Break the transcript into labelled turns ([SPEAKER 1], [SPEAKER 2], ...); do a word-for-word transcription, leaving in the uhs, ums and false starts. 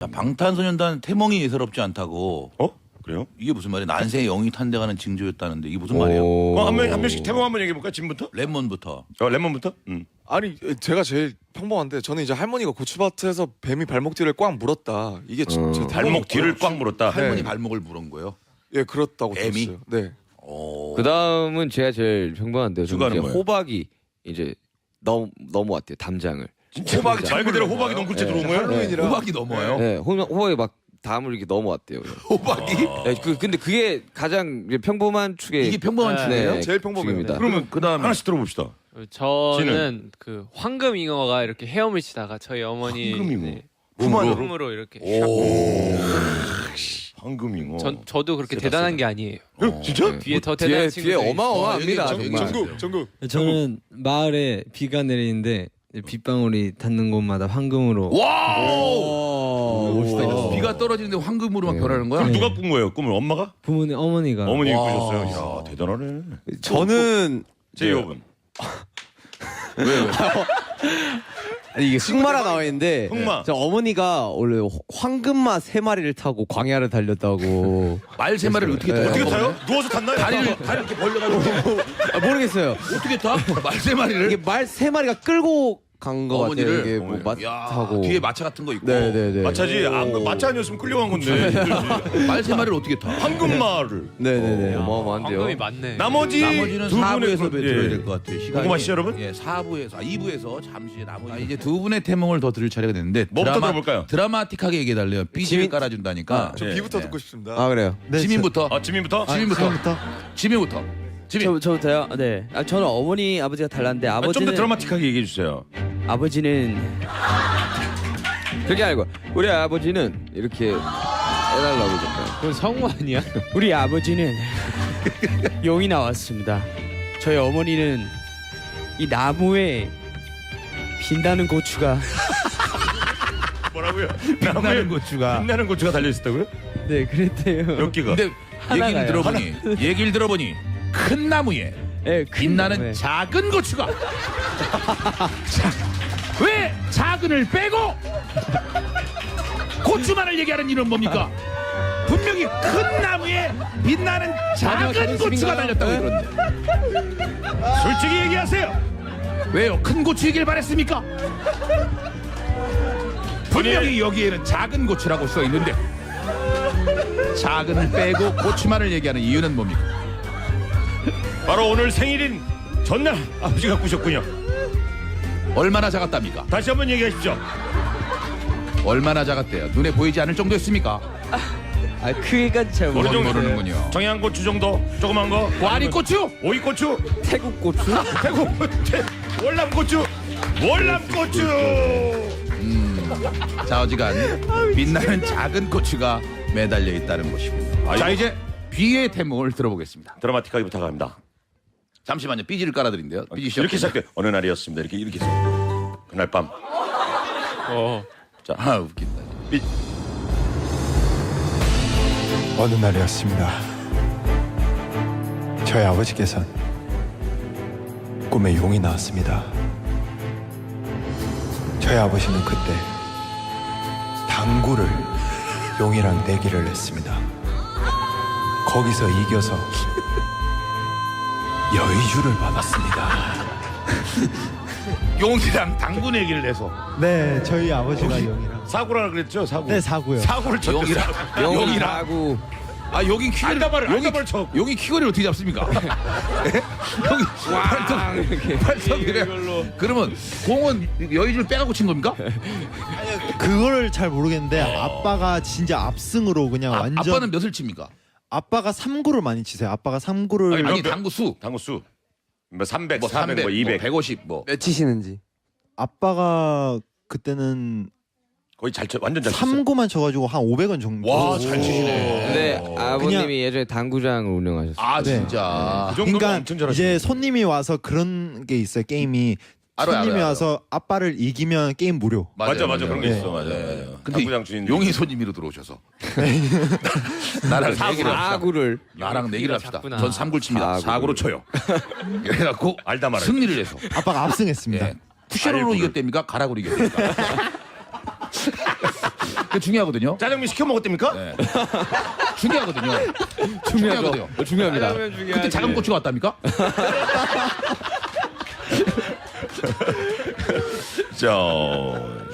[SPEAKER 1] 자, 방탄소년단 태몽이 예사롭지 않다고.
[SPEAKER 2] 어? 그래요?
[SPEAKER 1] 이게 무슨 말이야? 난세의 영이 탄생하는 징조였다는데 이게 무슨 말이에요?
[SPEAKER 2] 어, 한, 명, 한 명씩 태몽 한번 얘기해 볼까? 지금부터?
[SPEAKER 1] 레몬부터.
[SPEAKER 2] 어, 레몬부터? 음.
[SPEAKER 3] 아니 제가 제일 평범한데 저는 이제 할머니가 고추밭에서 뱀이 발목 뒤를 꽉 물었다. 이게 제
[SPEAKER 4] 어.
[SPEAKER 3] 태몽-
[SPEAKER 2] 발목 뒤를 꽉 물었다.
[SPEAKER 1] 할머니
[SPEAKER 3] 네.
[SPEAKER 1] 발목을 물은 거예요.
[SPEAKER 3] 예 그렇다고
[SPEAKER 1] 뱀이?
[SPEAKER 3] 들었어요. 네.
[SPEAKER 1] 오.
[SPEAKER 4] 그 다음은 제가 제일 평범한데요. 저는
[SPEAKER 2] 주가는
[SPEAKER 4] 이제
[SPEAKER 2] 뭐예요?
[SPEAKER 4] 호박이 이제 넘 넘어왔대요. 담장을.
[SPEAKER 2] 호박이 말 그대로 호박이 너무 굴째 들어온 거예요?
[SPEAKER 3] 할로윈이라
[SPEAKER 1] 호박이 넘어요.
[SPEAKER 4] 네, 호, 호박이 막 담을 이렇게 넘어왔대요.
[SPEAKER 1] 호박이?
[SPEAKER 4] 네, 그 근데 그게 가장 이제 평범한 축의
[SPEAKER 1] 이게 평범한
[SPEAKER 5] 네.
[SPEAKER 1] 축이에요?
[SPEAKER 3] 제일 평범해요.
[SPEAKER 4] 축입니다.
[SPEAKER 2] 그러면
[SPEAKER 1] 그다음에
[SPEAKER 2] 하나씩 들어봅시다.
[SPEAKER 5] 저는 그 황금잉어가 이렇게 헤엄을 치다가 저희 어머니
[SPEAKER 2] 황금잉어.
[SPEAKER 5] 네,
[SPEAKER 2] 품안으로?
[SPEAKER 5] 품으로 이렇게
[SPEAKER 2] 오. 황금잉어.
[SPEAKER 5] 전 저도 그렇게
[SPEAKER 2] 세다,
[SPEAKER 5] 대단한
[SPEAKER 2] 세다.
[SPEAKER 5] 게 아니에요.
[SPEAKER 2] 어, 진짜?
[SPEAKER 5] 뒤에 더
[SPEAKER 4] 뒤에
[SPEAKER 5] 대단한
[SPEAKER 4] 뒤에
[SPEAKER 5] 친구들이
[SPEAKER 4] 어마어마합니다.
[SPEAKER 1] 아,
[SPEAKER 4] 정말.
[SPEAKER 3] 전국 전국
[SPEAKER 6] 저는 마을에 비가 내리는데 빗방울이 닿는 곳마다 황금으로.
[SPEAKER 1] 와우!
[SPEAKER 6] 멋있다.
[SPEAKER 1] 비가 떨어지는데 황금으로 막
[SPEAKER 4] 네.
[SPEAKER 1] 변하는 거야?
[SPEAKER 2] 그럼 누가 꾼 거예요? 꿈을 엄마가?
[SPEAKER 6] 부모님 어머니가.
[SPEAKER 2] 어머님이
[SPEAKER 1] 와.
[SPEAKER 2] 꾸셨어요. 야 대단하네.
[SPEAKER 7] 저는
[SPEAKER 2] 제이홉은
[SPEAKER 7] 아니 이게 흑마라 나와 있는데
[SPEAKER 2] 흑마.
[SPEAKER 7] 저 어머니가 원래 황금마 세 마리를 타고 광야를 달렸다고.
[SPEAKER 1] 말 세 마리를 어떻게 타요?
[SPEAKER 2] 네. 어떻게 타요? 누워서 탔나요?
[SPEAKER 1] 다리를 다리 이렇게 벌려가지고
[SPEAKER 7] 아, 모르겠어요.
[SPEAKER 1] 어떻게 타? 말 세 마리를?
[SPEAKER 7] 이게 말 세 마리가 끌고 간 거 같아요.
[SPEAKER 1] 어머니를?
[SPEAKER 7] 이게 뭐
[SPEAKER 2] 어머니.
[SPEAKER 1] 야,
[SPEAKER 7] 마타고.
[SPEAKER 1] 뒤에 마차 같은 거 있고.
[SPEAKER 7] 네네네.
[SPEAKER 2] 마차지. 아, 마차 아니었으면 끌려간 건데.
[SPEAKER 1] 말 세 마리를 어떻게 타?
[SPEAKER 2] 황금마를.
[SPEAKER 7] 네네네.
[SPEAKER 4] 어마어마한데요.
[SPEAKER 5] 황금이 많네.
[SPEAKER 2] 나머지
[SPEAKER 1] 나머지는
[SPEAKER 2] 두
[SPEAKER 1] 사
[SPEAKER 2] 분에서
[SPEAKER 1] 부에서 들어야 될 것 같아요. 시간이.
[SPEAKER 2] 궁금하시죠, 여러분?
[SPEAKER 1] 예, 사 부에서 아, 이 부에서 잠시 나머지 아, 이제 두 분의 태몽을 더 들을 차례가 됐는데
[SPEAKER 2] 뭐부터 들어볼까요?
[SPEAKER 1] 드라마틱하게 얘기해 달래요. 삐지를 깔아준다니까.
[SPEAKER 3] 저
[SPEAKER 2] 예,
[SPEAKER 3] 비부터
[SPEAKER 1] 예.
[SPEAKER 3] 듣고 싶습니다.
[SPEAKER 7] 아 그래요.
[SPEAKER 1] 지민부터.
[SPEAKER 2] 아 지민부터.
[SPEAKER 1] 지민부터. 지민부터. 지민.
[SPEAKER 8] 저, 저부터요? 네. 아, 저는 어머니 아버지가 달랐는데
[SPEAKER 2] 아,
[SPEAKER 8] 아버지는
[SPEAKER 2] 좀더 드라마틱하게 얘기해 주세요.
[SPEAKER 8] 아버지는
[SPEAKER 4] 그게 아니고 우리 아버지는 이렇게 해달라고 그러잖아요.
[SPEAKER 5] 그건 성우 아니야?
[SPEAKER 8] 우리 아버지는 용이 나왔습니다. 저희 어머니는 이 나무에 빛나는 고추가
[SPEAKER 2] 뭐라고요?
[SPEAKER 1] 빛나는 고추가.
[SPEAKER 2] 빛나는 고추가 달려 있었다고요?
[SPEAKER 8] 네 그랬대요.
[SPEAKER 2] 몇 개가?
[SPEAKER 1] 근데
[SPEAKER 8] 하나가요.
[SPEAKER 1] 얘기를 들어보니 얘기를 들어보니 큰 나무에
[SPEAKER 8] 네, 큰
[SPEAKER 1] 빛나는
[SPEAKER 8] 나무에.
[SPEAKER 1] 작은 고추가. 자, 왜 작은을 빼고 고추만을 얘기하는 이유는 뭡니까? 분명히 큰 나무에 빛나는 작은 고추가 달렸다고 그러는데
[SPEAKER 2] 솔직히 얘기하세요.
[SPEAKER 1] 왜요? 큰 고추이길 바랬습니까? 분명히 여기에는 작은 고추라고 써 있는데 작은을 빼고 고추만을 얘기하는 이유는 뭡니까?
[SPEAKER 2] 바로 오늘 생일인 전날 아버지가 꾸셨군요.
[SPEAKER 1] 얼마나 작았답니까?
[SPEAKER 2] 다시 한번 얘기하십시오.
[SPEAKER 1] 얼마나 작았대요? 눈에 보이지 않을 정도였습니까?
[SPEAKER 8] 아 크기까지 잘
[SPEAKER 2] 어느 정도?
[SPEAKER 8] 모르겠어요.
[SPEAKER 1] 모르는군요.
[SPEAKER 2] 청양고추 정도? 조그만 거?
[SPEAKER 1] 와리고추?
[SPEAKER 2] 오이고추?
[SPEAKER 8] 태국 고추?
[SPEAKER 2] 태국 월남고추? 월남고추!
[SPEAKER 1] 자, 어지간 빛나는 작은 고추가 매달려 있다는 것이군요. 자, 이제 비의 태몽을 들어보겠습니다.
[SPEAKER 2] 드라마틱하게 부탁합니다.
[SPEAKER 1] 잠시만요. 삐지를 깔아드린대요. 삐지 시작.
[SPEAKER 2] 이렇게 시작돼. 어느 날이었습니다. 이렇게 이렇게 해서. 그날 밤.
[SPEAKER 5] 어.
[SPEAKER 2] 자,
[SPEAKER 1] 아, 웃긴다.
[SPEAKER 2] 삐.
[SPEAKER 9] 어느 날이었습니다. 저희 아버지께선 꿈에 용이 나왔습니다. 저희 아버지는 그때 당구를 용이랑 내기를 했습니다. 거기서 이겨서 여의주를 받았습니다.
[SPEAKER 1] 용이랑 당구 내기를 해서
[SPEAKER 6] 네, 저희 아버지가 용이랑.
[SPEAKER 2] 사고라 그랬죠? 사고.
[SPEAKER 6] 네, 사고요.
[SPEAKER 2] 사고를 쳤죠.
[SPEAKER 1] 용이랑 용이랑
[SPEAKER 4] 하고
[SPEAKER 1] 아, 여긴 퀴거리
[SPEAKER 2] 알다발을
[SPEAKER 1] 용이
[SPEAKER 2] 알다발 쳐.
[SPEAKER 1] 용이 퀴거리를 어떻게 잡습니까? 여기 발톱
[SPEAKER 4] 이렇게.
[SPEAKER 1] 발톱이래. 그러면 공은 여의주를 빼갖고 친 겁니까?
[SPEAKER 6] 그거를 잘 모르겠는데 아빠가 진짜 압승으로 그냥
[SPEAKER 1] 아,
[SPEAKER 6] 완전.
[SPEAKER 1] 아빠는 몇을 칩니까?
[SPEAKER 6] 아빠가 삼구를 많이 치세요. 아빠가 삼구를.
[SPEAKER 2] 아니,
[SPEAKER 1] 아니
[SPEAKER 2] 몇-
[SPEAKER 1] 당구 수.
[SPEAKER 2] 당구 수. 뭐 삼백,
[SPEAKER 1] 뭐
[SPEAKER 2] 사백, 뭐 이백.
[SPEAKER 1] 백오십 뭐.
[SPEAKER 7] 몇 치시는지.
[SPEAKER 6] 아빠가 그때는
[SPEAKER 2] 거의 잘 쳐. 완전 잘 쳤어.
[SPEAKER 6] 삼구만 쳐가지고 한 오백 원 정도.
[SPEAKER 1] 와, 잘 치시네.
[SPEAKER 4] 근데 아버님이 예전에 당구장을 운영하셨어요.
[SPEAKER 1] 아,
[SPEAKER 6] 네.
[SPEAKER 1] 진짜.
[SPEAKER 2] 그 정도면
[SPEAKER 6] 그러니까
[SPEAKER 2] 엄청 잘하시네.
[SPEAKER 6] 이제 손님이 와서 그런 게 있어요. 게임이
[SPEAKER 1] 알아요,
[SPEAKER 6] 손님이
[SPEAKER 1] 알아요,
[SPEAKER 6] 와서 아빠를 이기면 게임 무료.
[SPEAKER 2] 맞아, 맞아. 그런 게
[SPEAKER 6] 네.
[SPEAKER 2] 있어. 맞아,
[SPEAKER 1] 네.
[SPEAKER 2] 맞아.
[SPEAKER 1] 근데
[SPEAKER 2] 당구장 주인.
[SPEAKER 1] 용이 손님으로 들어오셔서 나랑 내기를 합시다.
[SPEAKER 4] 사구를
[SPEAKER 1] 나랑 내기를 합시다.
[SPEAKER 5] 작구나.
[SPEAKER 1] 전 삼구를 칩니다.
[SPEAKER 4] 사구를.
[SPEAKER 1] 사구로 쳐요. 그래갖고
[SPEAKER 2] 알다 말아요.
[SPEAKER 1] 승리를 해서
[SPEAKER 6] 아빠가 압승했습니다.
[SPEAKER 1] 예. 푸셔로로
[SPEAKER 2] 알구를.
[SPEAKER 1] 이겼답니까? 가락으로 이겼답니까? 그 중요하거든요.
[SPEAKER 2] 짜장면 시켜 먹었답니까?
[SPEAKER 1] 네. 중요하거든요.
[SPEAKER 7] 중요하죠.
[SPEAKER 1] 중요하거든요.
[SPEAKER 7] 중요합니다.
[SPEAKER 5] 짜장면 중요하지.
[SPEAKER 1] 그때 작은 고추가 왔답니까?
[SPEAKER 2] 자,